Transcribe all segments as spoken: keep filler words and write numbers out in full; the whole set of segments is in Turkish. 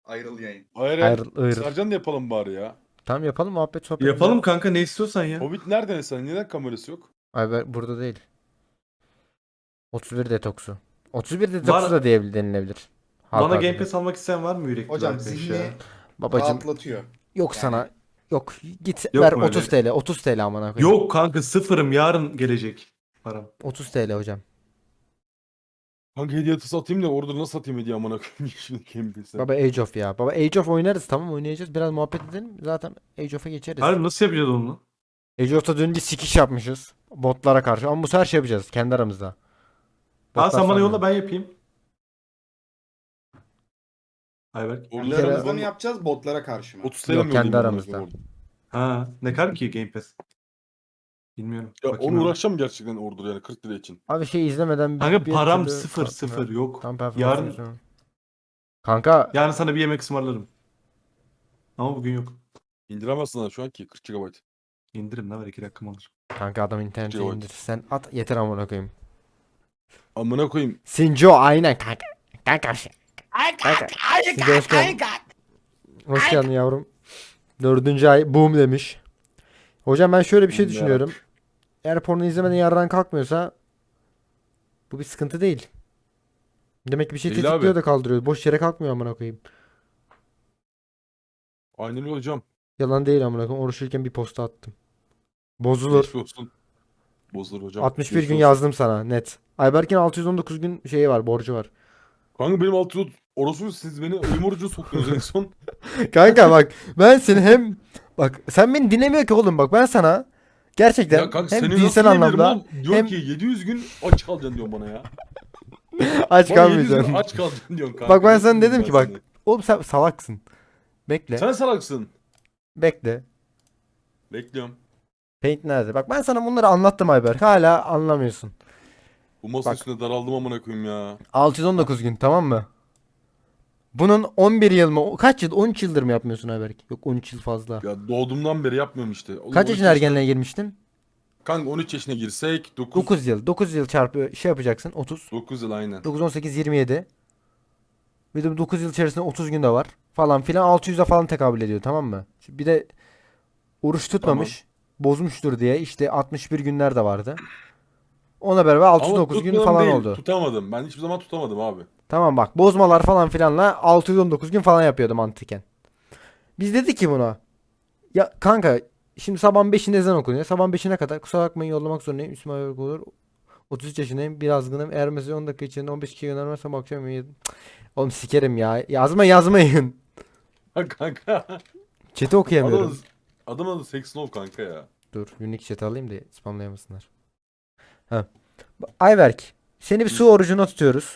Ayrıl yayın. Hayır hayır. Ayrıl, ayrıl. Sercan da yapalım bari ya. Tamam yapalım muhabbet sohbet. Yapalım kanka, ne istiyorsan ya. Hobbit nerede sen? Neden kamerası yok? Ay ben burada değil. otuz bir detoksu. otuz bir detoksu Var- da diye denilebilir. Halk Bana ağzıyla. Game Pass almak isteyen var mı yürekli bir Hocam arkadaş zihni ya? Babacım rahatlatıyor. yok Yani- sana. Yok git Yok ver mu öyle? otuz T L. otuz T L amına koyayım. Yok kanka, sıfırım, yarın gelecek param. otuz T L hocam. Hangi hediye atısı atayım da orada nasıl atayım hediye amına koyayım şimdi kim bilse. Baba Age of ya. Baba Age of oynarız tamam oynayacağız. Biraz muhabbet edelim. Zaten Age of'a geçeriz. Harbi nasıl yapacağız onu? Age of'ta dün bir sikiş yapmışız. Botlara karşı. Ama bu sefer şey yapacağız kendi aramızda. Ha Botlar sen bana sanmıyor. yolla, ben yapayım. Ayberk. Orada Kendi kere- aramızda mı yapacağız botlara karşı mı? otuz T L Yok, mi kendi ödeyeyim amına aramızda. koyayım orada? Ha ne kadar ki Game Pass? Bilmiyorum. Ya Bakayım onu ben. uğraşacağım gerçekten orada yani kırk lira için. Abi şey izlemeden bir, Kanka bir param türlü sıfır kalkmıyor. sıfır yok. Tam performans Yarın yapıyorum. Kanka yarın sana bir yemek ısmarlarım. Ama bugün yok. İndiremezsin ha şu anki kırk gigabayt. İndirim ne var, iki dakikam alır. kanka adam internete Gigabyte. indir. Sen at yeter amına koyayım. Amına koyayım. Sinjo aynen kanka. Kanka. Kanka. Sinjo hoş geldin. Hoş geldin yavrum. Dördüncü ay boom demiş. Hocam ben şöyle bir şey Boom düşünüyorum. Eğer porno izlemeden yardan kalkmıyorsa bu bir sıkıntı değil. Demek ki bir şey Değil tetikliyor abi. da kaldırıyor. Boş yere kalkmıyor amına koyayım. Aynen öyle hocam. Yalan değil amına koyayım. Oruçluyken bir posta attım. Bozulur. Geçmiş olsun. Bozulur hocam. altmış bir Geçmiş gün olsun. yazdım sana net. Ayberk'in altı yüz on dokuz gün şeyi var, borcu var. Kanka benim altı yüz orospu siz beni ölüm orucuna soktunuz en son. Kanka bak ben seni hem bak sen beni dinlemiyor ki oğlum bak ben sana gerçekten Ya kanka hem seni dinsel nasıl anlamda, anlamda oğlum? Diyor hem- ki yedi yüz gün aç kalacaksın diyor bana ya. aç Bana yedi yüz gün kalmayacaksın. aç kalacaksın diyorsun kanka. Bak ben Nasıl sana dedim diyeyim ki ben bak sana? oğlum sen salaksın. Bekle. Sen salaksın. Bekle. Bekliyorum. Paint nerede? Bak ben sana bunları anlattım Ayberk. Hala anlamıyorsun. Bu masa Bak. üstünde daraldım amına koyayım ya. altı yüz on dokuz gün tamam mı? Bunun on bir yıl mı? Kaç yıl? on üç yıldır mı yapmıyorsun Ayberk? Yok on üç yıl fazla. Ya doğduğumdan beri yapmıyorum işte. Oğlum Kaç on üç yaşına ergenliğe girmiştin? Kanka on üç yaşına girsek dokuz. dokuz yıl. dokuz yıl çarpı şey yapacaksın otuz. dokuz yıl aynen. dokuz, on sekiz, yirmi yedi. Bir de bu dokuz yıl içerisinde otuz gün de var. Falan filan altı yüze falan tekabül ediyor tamam mı? Şimdi bir de oruç tutmamış. Bozmuştur diye işte altmış bir günler de vardı. Ona beraber altı yüz Ama dokuz gün tutmadım falan değil, oldu. tutamadım. Ben hiçbir zaman tutamadım abi. Tamam bak bozmalar falan filanla altı yüz on dokuz gün falan yapıyordu mantıken. Biz dedik ki buna. Ya kanka şimdi sabahın beşinde ezan okunuyor. Sabahın beşine kadar kusura bakmayın yollamak zorundayım. Müslüman Ayrılık olur. otuz üç yaşındayım. Bir azgınım. Eğer mesela on dakika içinde on beş kişi göndermezsem akşam yedim. Oğlum sikerim ya. Yazma yazmayın. Kanka. Chat'i okuyamıyorum. Adamın, adamın adı Sexnov kanka ya. Dur unique chat alayım da spamlayamasınlar. Ha. Ayberk. Seni bir su orucuna tutuyoruz.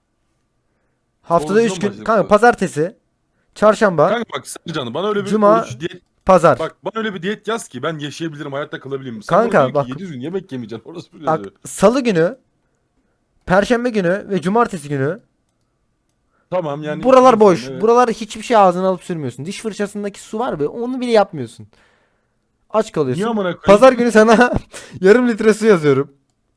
Haftada Orucuna üç mı gün. başladık Kanka bu? pazartesi. Çarşamba. Kanka bak Sercan bana öyle bir Cuma, oruç diyet. Pazar. Bak bana öyle bir diyet yaz ki ben yaşayabilirim, hayatta kalabilirim. Sen Kanka, bana diyorsun bak- ki yedi yüz gün yemek yemeyeceksin. Orası bir Bak yazıyor. salı günü. Perşembe günü ve cumartesi günü. Tamam yani. Buralar iki gün boş. sonra, evet. Buralar hiçbir şey ağzına alıp sürmüyorsun. Diş fırçasındaki su var be onu bile yapmıyorsun. Aç Niye kalıyorsun. amına koyayım? Pazar günü sana yarım litre su yazıyorum.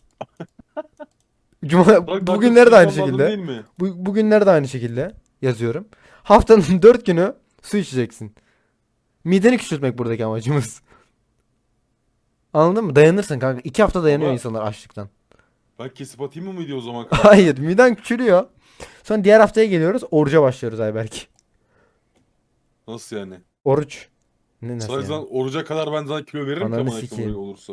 Cuma Bak, bugünler de aynı anladın şekilde. Değil mi? Bu, bugünler de aynı şekilde yazıyorum. Haftanın dört günü su içeceksin. Mideni küçültmek buradaki amacımız. Anladın mı? Dayanırsın kanka. İki hafta dayanıyor Baba- insanlar açlıktan. Ben kesip atayım mı video o zaman kanka? Hayır, miden küçülüyor. Sonra diğer haftaya geliyoruz. Oruca başlıyoruz Ayberk. Nasıl yani? Oruç. Ne nasıl Sadece yani? oruca kadar ben sana kilo veririm ki Ananı amına koyayım sikeyim. öyle olursa.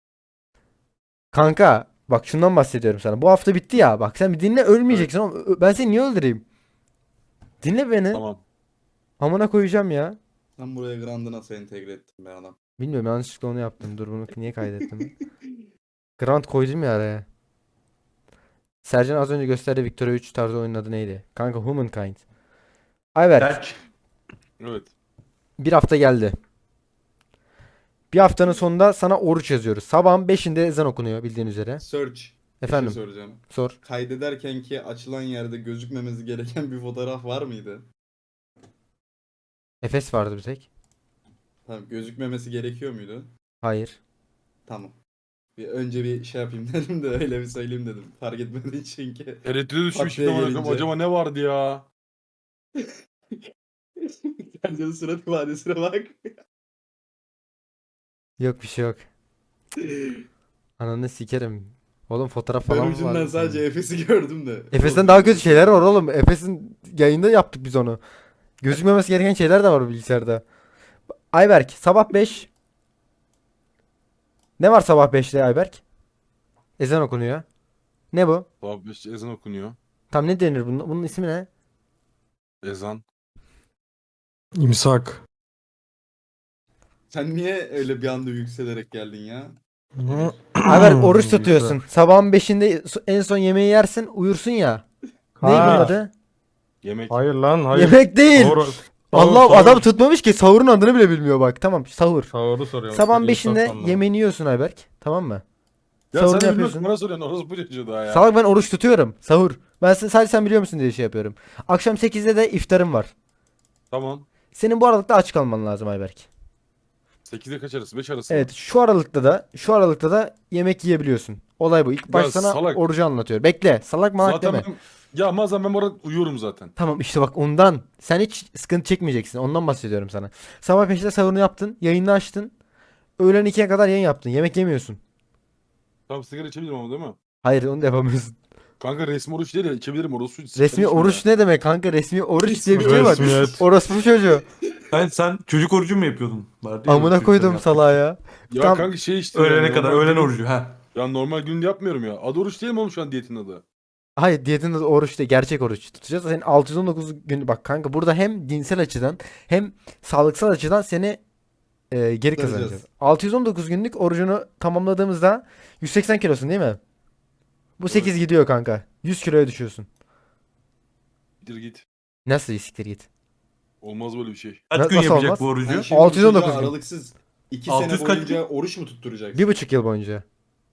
Kanka bak şundan bahsediyorum sana. Bu hafta bitti ya. Bak sen bir dinle ölmeyeceksin oğlum. Ö- Ben seni niye öldüreyim? Dinle beni. Tamam. Amına koyacağım ya. Ben buraya Grand'ı nasıl entegre ettim be adam. Bilmiyorum yanlışlıkla onu yaptım. Dur bunu niye kaydettim? Grant koydum ya araya. Sercan az önce gösterdiği Victoria üç tarzı oyunun adı neydi? Kanka Humankind. Ayberk Berk. Evet. bir hafta geldi. Bir haftanın sonunda sana oruç yazıyoruz. Sabahın beşinde ezan okunuyor bildiğin üzere. Search. Bir Efendim şey soracağım. sor. Kaydederken ki açılan yerde gözükmemesi gereken bir fotoğraf var mıydı? Efes vardı bir tek. Tamam, gözükmemesi gerekiyor muydu? Hayır. Tamam. Bir önce bir şey yapayım dedim de öyle bir söyleyeyim dedim. Fark etmediği çünkü. Tereddüte düşmüştüm Tatlıya amına koyayım. gelince. Acaba ne vardı ya? Sercan'ın surat ifadesine bak. Yok bir şey yok. Ananı sikerim. Oğlum fotoğraf Ben falan mı ucundan var? sadece Efes'i gördüm de. Efes'ten daha kötü şeyler var oğlum. Efes'in yayında yaptık biz onu. Gözükmemesi gereken şeyler de var bilgisayarda. Ayberk sabah beş. Ne var sabah beşte Ayberk? Ezan okunuyor. Ne bu? Sabah beş ezan okunuyor. Tam ne denir bunun? Bunun ismi ne? Ezan. İmsak. Sen niye öyle bir anda yükselerek geldin ya? Ayberk oruç Neyse. tutuyorsun. Sabahın beşinde en son yemeği yersin uyursun ya. Ne bunun Ha. adı? Yemek. Hayır lan hayır. Yemek değil. Sahur- sahur- Allah sahur. adam tutmamış ki sahurun adını bile bilmiyor bak. Tamam sahur. Sahuru soruyorum. Sabahın İmsak beşinde sandım. yemeğini yiyorsun Ayberk. Tamam mı? Ya Sahurunu sen de bilmiyorsun yapıyorsun. bana soruyorsun. Orası bu çocuğu daha ya. Salak ben oruç tutuyorum. Sahur. Ben sen, sadece sen biliyor musun diye şey yapıyorum. Akşam sekizde de iftarım var. Tamam. Senin bu aralıkta aç kalman lazım Ayberk. sekizde kaç arası? beş arası mı? Evet şu aralıkta da şu aralıkta da yemek yiyebiliyorsun. Olay bu. İlk Ya baş sana salak. orucu anlatıyor. Bekle. Salak malak Zaten deme. ben... Ya bazen ben orada uyuyorum zaten. Tamam işte bak ondan. Sen hiç sıkıntı çekmeyeceksin. Ondan bahsediyorum sana. Sabah beşte sahurunu yaptın. Yayını açtın. Öğlen ikiye kadar yayın yaptın. Yemek yemiyorsun. Tamam sigara içebilirim ama değil mi? Hayır onu da yapamıyorsun. Kanka resmi oruç değil ya içebilirim orası. Resmi oruç ne demek kanka? Resmi oruç diye bir şey var. Resmiyet. Orospu çocuğu. Sen, sen çocuk orucu mu yapıyordun? Vardı ya, Amına çocuklar koydum yaptı. salağa ya. Ya Tam- kanka şey işte. Öğlene ya, kadar normal öğlen gün- orucu ha. Ya normal günde yapmıyorum ya. Adı oruç değil mi oğlum şu an diyetin adı? Hayır diyetin adı oruç değil. Gerçek oruç tutacağız. Senin altı yüz on dokuz gün bak kanka burada hem dinsel açıdan hem sağlıksal açıdan seni e, geri Kurtaracağız. kazanacağız. altı yüz on dokuz günlük orucunu tamamladığımızda yüz seksen kilosun değil mi? Bu sekiz gidiyor kanka. yüz kiloya düşüyorsun. Git git. Nasıl siktir git. Olmaz böyle bir şey. Kaç Na- gün nasıl yapacak olmaz? bu Sen orucu? şimdi bu altı yüz on dokuz çocuğa gün. aralıksız iki altı sene yüz kaç boyunca oruç mu tutturacaksın? Bir buçuk yıl boyunca.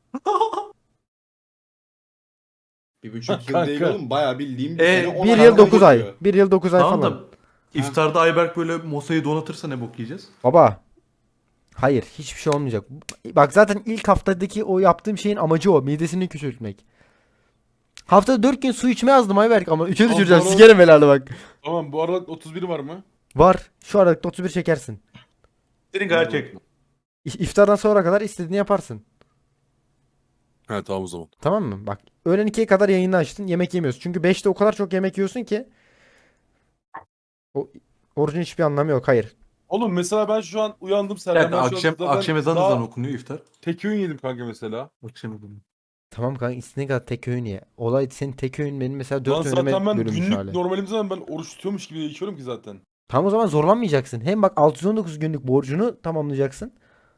Bir buçuk yıl Kanka. değil oğlum. Bayağı bildiğim bir E, sene on Bir ay yıl dokuz ay. oluyor. Bir yıl dokuz ay Tamam falan. da iftarda Ayberk böyle masayı donatırsa ne bok yiyeceğiz? Baba. Hayır, hiçbir şey olmayacak. Bak zaten ilk haftadaki o yaptığım şeyin amacı o. Midesini küçültmek. Haftada dört gün su içme yazdım Ayberk ama üçe düşüreceğim. Aman Sikerim helal bak. Tamam bu arada otuz biri var mı? Var. Şu aralıkta otuz bir çekersin. Senin gerçek. İ- İftardan sonra kadar istediğini yaparsın. He tamam o zaman. Tamam mı? Bak öğlen ikiye kadar yayını açtın. Yemek yemiyorsun. Çünkü beşte o kadar çok yemek yiyorsun ki. O orucun hiçbir anlamı yok. Hayır. Oğlum mesela ben şu an uyandım Bir Serkan. dakika, Ben şu an akşam, zaten akşam ezanı daha ezanı okunuyor iftar. tek öğün yedim kanka mesela. Akşam ezanı. Tamam kanka istediğin kadar tek öğün ye. Olay senin tek öğün benim mesela Lan dört öğünüme zaten ben bölünmüş günlük hali. normalimizden ben oruç tutuyormuş gibi yaşıyorum ki zaten. Tamam o zaman zorlanmayacaksın. Hem bak altı yüz on dokuz günlük borcunu tamamlayacaksın.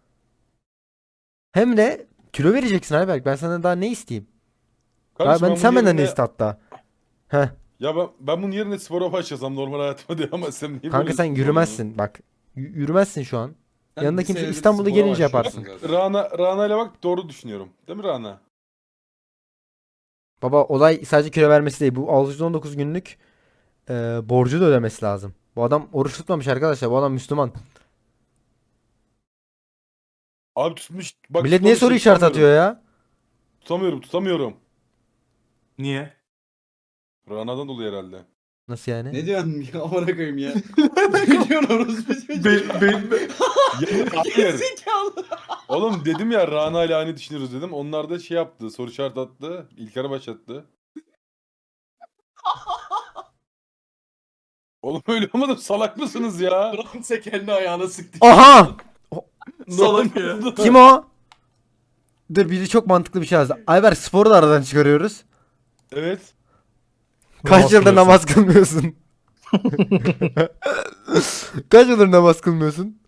Hem de kilo vereceksin Ayberk. Ben senden daha ne isteyeyim? Daha Kardeşim ben, bunun sen benden ne yerine- iste hatta? Heh. Ya ben, ben bunun yerine spora başlasam normal hayatıma devam etsem niye Kanka böyle sen spor yürümezsin bak. Y- yürümezse şu an. Sen Yanında bir kimse senedir İstanbul'a spora gelince başlıyorsun yaparsın. zaten. Rana, Rana ile bak doğru düşünüyorum. Değil mi Rana? Baba olay sadece kilo vermesi değil. Bu altı yüz on dokuz günlük e, borcu da ödemesi lazım. Bu adam oruç tutmamış arkadaşlar. Bu adam Müslüman. Abi tutmuş. Bak Millet niye tutmamış, soru işareti tutamıyorum. atıyor ya? Tutamıyorum tutamıyorum. Niye? Rana'dan dolayı herhalde. Nasıl yani? Ne diyorsun ya amına koyayım ya? Ne diyorsun orospu çocuğu? Ben, ben, Ya, hayır. Zekalı. Oğlum dedim ya Rana ile aynı düşünüyoruz dedim. Onlar da şey yaptı. Soru işareti attı. İlker'e başlattı. Oğlum öyle olmadı. Salak mısınız ya? Fransa kendi ayağına sıktı. Aha! Salak ya. Kim o? Dur biri çok mantıklı bir şey yazdı. Ayber sporu da aradan çıkarıyoruz. Evet. Kaç Namaz yıldır kılıyorsun. namaz kılmıyorsun? Kaç yıldır namaz kılmıyorsun?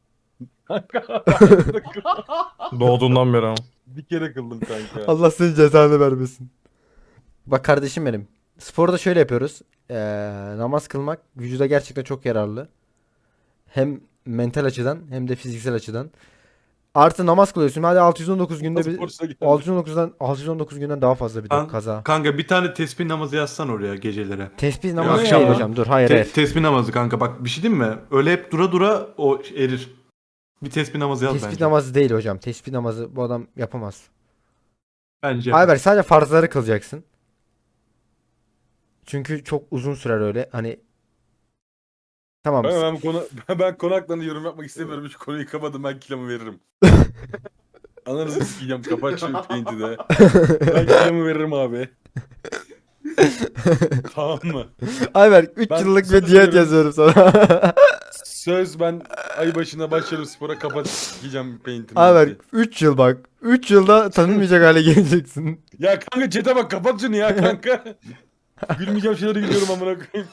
Doğduğundan beri ama. Bir kere kıldım kanka. Allah senin cezanı vermesin. Bak kardeşim benim. Sporda şöyle yapıyoruz. Ee, namaz kılmak vücuda gerçekten çok yararlı. Hem mental açıdan hem de fiziksel açıdan. Artı namaz kılıyorsun. Hadi altı yüz on dokuz günde bir Sporcuya geldi. altı yüz on dokuzdan altı yüz on dokuz günden daha fazla bir de Kan- kaza. Kanka bir tane tesbih namazı yazsan oraya gecelere. Tesbih namazı ne değil ya? hocam. Dur hayır Te- hayır. tesbih namazı kanka bak bir şey diyeyim mi? Öyle hep dura dura o erir. Bir tesbih namazı yaz Tesbih bence. namazı değil hocam. Tesbih namazı bu adam yapamaz. Bence. Ayber sadece farzları kılacaksın. Çünkü çok uzun sürer öyle. Hani Tamam. Ben, ben, bu konu, ben, ben konu hakkında yorum yapmak istemiyorum. Hiç konuyu kapadım. Ben kilomu veririm. Ananızı sikeceğim. Kapat şu paint'i de. Ben kilomu veririm abi. Tamam mı? Ayberk üç Ben yıllık söz bir diyet veriyorum. yazıyorum sana. Söz ben ay başında başlarım spora, kapat sikeceğim paint'imi. Ayberk üç yıl bak. üç yılda tanınmayacak hale geleceksin. Ya kanka chat'e bak, kapat şunu ya kanka. Gülmeyeceğim şeyleri gülüyorum amına koyayım.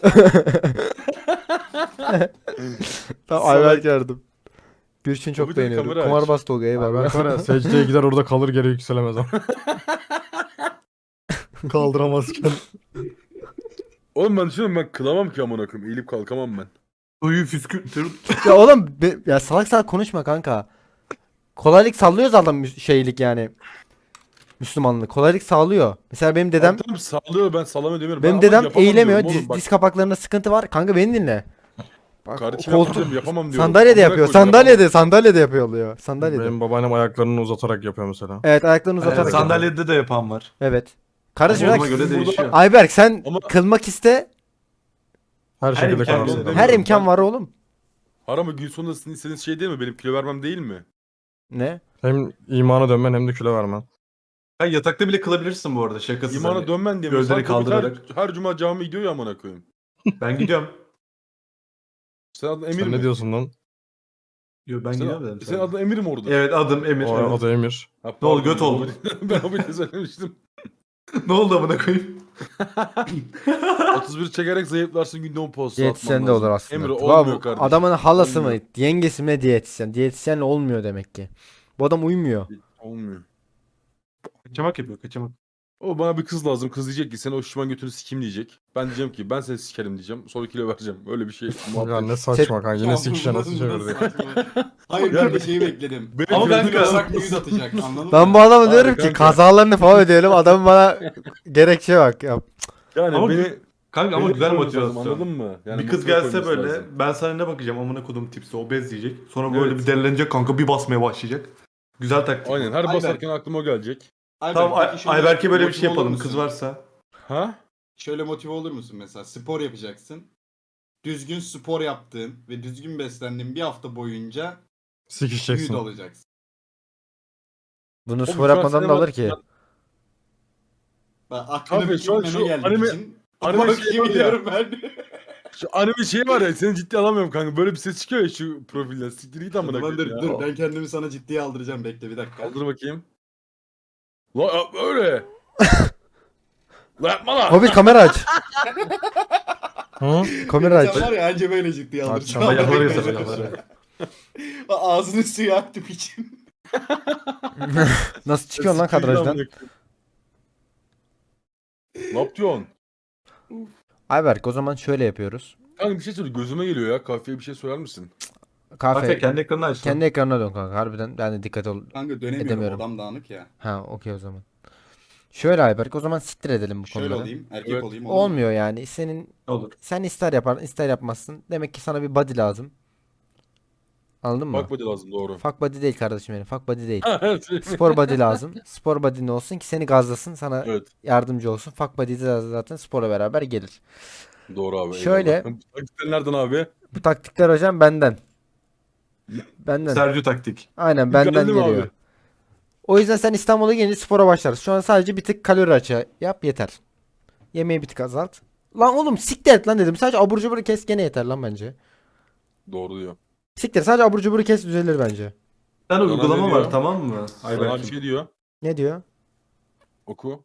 Tamam Salak. Ayberk yardım. Gülçin çok Tabii tabii, beğeniyorum. kamera aç. Kumarbaz Tolga eyvallah. Ayberk var ya secdeye gider orada kalır geri yükselemez ama. Kaldıramazken. Oğlum ben düşünüyorum, ben kılamam ki amına koyayım. Eğilip kalkamam ben. Suyu püskürtür. Ya oğlum be- ya salak salak konuşma kanka. Kolaylık sağlıyor zaten mü- şeylik yani. Müslümanlık kolaylık sağlıyor. Mesela benim dedem Abi tamam sağlıyor, ben sallamıyor demiyorum. benim Ben ama dedem yapamam eğilemiyor. diyorum Diz, oğlum, bak. diz kapaklarında sıkıntı var. Kanka beni dinle. Bak, Kardeşim koltuk- yapamam, yapamam diyorum. sandalyede Amına yapıyor. koyayım, Sandalyede, yapamam. sandalyede yapıyor oluyor. Sandalyede. Benim babaannem ayaklarını uzatarak yapıyor mesela. Evet ayaklarını uzatarak. Evet, yapıyor. sandalyede de yapan var. Evet. Kardeşim Ama bak, ona göre sizin burada- değişiyor. Ayberk sen Ama- kılmak iste. Her şekilde imkan kalarsın. demiyorum. Her Ben- imkan var oğlum. Har ama gün sonunda sizin istediğiniz şey değil mi? Benim kilo vermem değil mi? Ne? Hem imana dönmen hem de kilo vermen. Ha, yatakta bile kılabilirsin bu arada şakasız. İmana hani. dönmen diye. gözleri Mesela Tabii kaldırarak. Her, her cuma cami gidiyor ya amına koyayım. Ben gidiyorum. Sen adın Emir Sen mi? ne diyorsun lan? Yo, ben Sen, gidiyorum dedim. senin adın Emir mi orada? Evet, adım Emir. O evet. adı Emir. Ha, Ne oldu, pardon, göt oldu. Ben o bile söylemiştim. Ne oldu amına koyayım? otuz bir çekerek zayıflarsın, günde on posta Diyetisyen de olur aslında. Emre Vay, olmuyor bu kardeşim. adamın halası Olmuyor. mı? Yengesi mi diyetisyen? Diyetisyenle olmuyor demek ki. Bu adam uymuyor. Olmuyor. Kaçamak yapıyor, kaçamak. O bana bir kız lazım. Kız diyecek ki sen o şişman götünü sikeyim diyecek. Ben diyeceğim ki ben seni sikerim diyeceğim. Sonra kilo vereceğim. Öyle bir şey. Ya Muhabbet. ne saçma kanka. Yine Ya sikişe bu nasıl nasıl- çevirdik? saçma? Hayır Ya bir de şeyi bekledim. Benim Ama gözüm kanka- yasak. Yasak yüz atacak anladın Ben mı? bu adama Abi diyorum ki kanka. kazalarını falan ödeyelim. Adam bana gerekçe bak. Ya. Yani Ama beni Kanka ama beni güzel koyması lazım, motivasyon. anladın mı? Yani Bir kız motive gelse koyması böyle, lazım. ben sana ne bakacağım amına kodum tipsi, obez diyecek. Sonra böyle Evet. bir delilenecek kanka, bir basmaya başlayacak. Güzel taktik. Aynen, her Ayberk. basarken aklıma o gelecek. Ayberk, Tamam, Ay- peki şöyle Ayberk'e böyle bir motive şey olur yapalım, musun? kız varsa. Ha? Şöyle motive olur musun mesela? Spor yapacaksın. Düzgün spor yaptığın ve düzgün beslendiğin bir hafta boyunca yüz Sikişeceksin. olacaksın. Bunu Oğlum spor şu an yapmadan da sinema- alır ki. Bak aklına Abi bir şu an kelime şu geldiği anime- için. anime Bak şey yemin var ya. ediyorum ben. Şu anime şey var ya, seni ciddi alamıyorum kanka. Böyle bir ses çıkıyor ya şu profilden. Siktir git amına Dur, dur, koyayım ya. dur ben kendimi sana ciddiye aldıracağım, bekle bir dakika. Kaldır bakayım. La yapma öyle. La yapma la. Hobbit kamera aç. Hı? Kamera aç. Sen var ya anca böyle ciddiye Aç, aldıracağım. ama yaparız, Bekle. yaparız. Ağzını suya aktım için. Nasıl çıkıyorsun lan Siktir git kadrajdan? amına koyayım. Ne yapıyorsun? Ayberk o zaman şöyle yapıyoruz. Kanka bir şey söyle, gözüme geliyor ya. Kahveye bir şey söyler misin? Kahve Afe kendi ekranını aç. kendi ekranına dön kanka. Harbiden ben de dikkat ol. Kanka dönemiyorum, Edemiyorum. odam dağınık ya. Ha okey o zaman. Şöyle Ayberk o zaman siktir edelim bu Şöyle konuları. olayım, erkek Evet. olayım. olur mu? Olmuyor yani. Senin Olur. sen ister yapar ister yapmazsın. Demek ki sana bir body lazım. Anladın mı? Bak body lazım, doğru. Fuck body değil kardeşim benim. Fuck body değil. Evet. Spor body lazım. Spor body ne olsun ki seni gazlasın, sana Evet. yardımcı olsun. Fuck body de zaten spora beraber gelir. Doğru abi. Şöyle- eyvallah. Bu taktikler nereden abi? Bu taktikler hocam benden. Benden. Sergio taktik. Aynen benden Geldi mi geliyor. abi? O yüzden sen İstanbul'a gelince spora başlarsın. Şu an sadece bir tık kalori açığı yap yeter. Yemeği bir tık azalt. Lan oğlum siktir et lan dedim. Sadece abur cubur kes gene yeter lan bence. Doğru diyor. Siktir sadece abur cubur kes düzelir bence. Bir tane Sana uygulama ne diyor? var, tamam mı? Sana bir Ayberk'im. şey diyor. Ne diyor? Oku.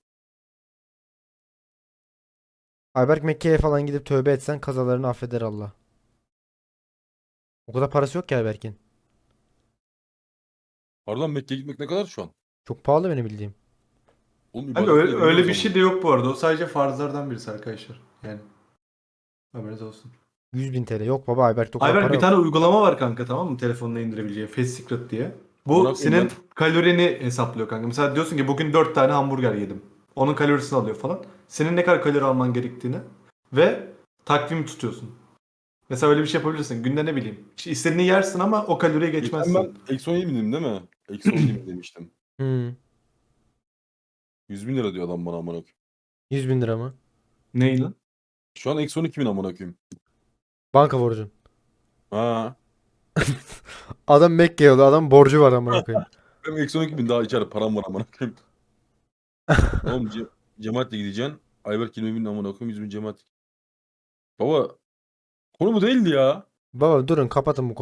Ayberk Mekke'ye falan gidip tövbe etsen kazalarını affeder Allah. O kadar parası yok ki Ayberk'in. Pardon, Mekke'ye gitmek ne kadar şu an? Çok pahalı benim bildiğim. Oğlum Kanka ibadet öyle, ediyor öyle o bir zaman. şey de yok bu arada. O sadece farzlardan birisi arkadaşlar. Yani. Haberiniz olsun. yüz bin T L. Yok baba Ayberk'te o kadar Ayberk para bir yok. tane uygulama var kanka, tamam mı? Telefonuna indirebileceğin Fast Secret diye. Bu Bırak senin ondan. kalorini hesaplıyor kanka. Mesela diyorsun ki bugün dört tane hamburger yedim. Onun kalorisini alıyor falan. Senin ne kadar kalori alman gerektiğini ve takvimi tutuyorsun. Mesela öyle bir şey yapabilirsin. Günde ne bileyim. İşte istediğini yersin ama o kaloriye Geçen geçmezsin. ben eksi on yedi bindim değil mi? Eksi on yedi bin demiştim. Hmm. yüz bin lira diyor adam bana amına koyayım. yüz bin lira mı? Ney lan? Şu an eksi on iki bin amına koyayım. Banka borcun. Ha. Adam Mekke'ye yolluyor. Adam borcu var amına koyayım. Benim eksi on iki bin daha içeride param var amına koyayım. Oğlum ce cemaatle gideceksin. Ayberk yirmi bin amına koyayım, yüz bin cemaat. Baba konu bu değildi ya. Baba durun kapatın bu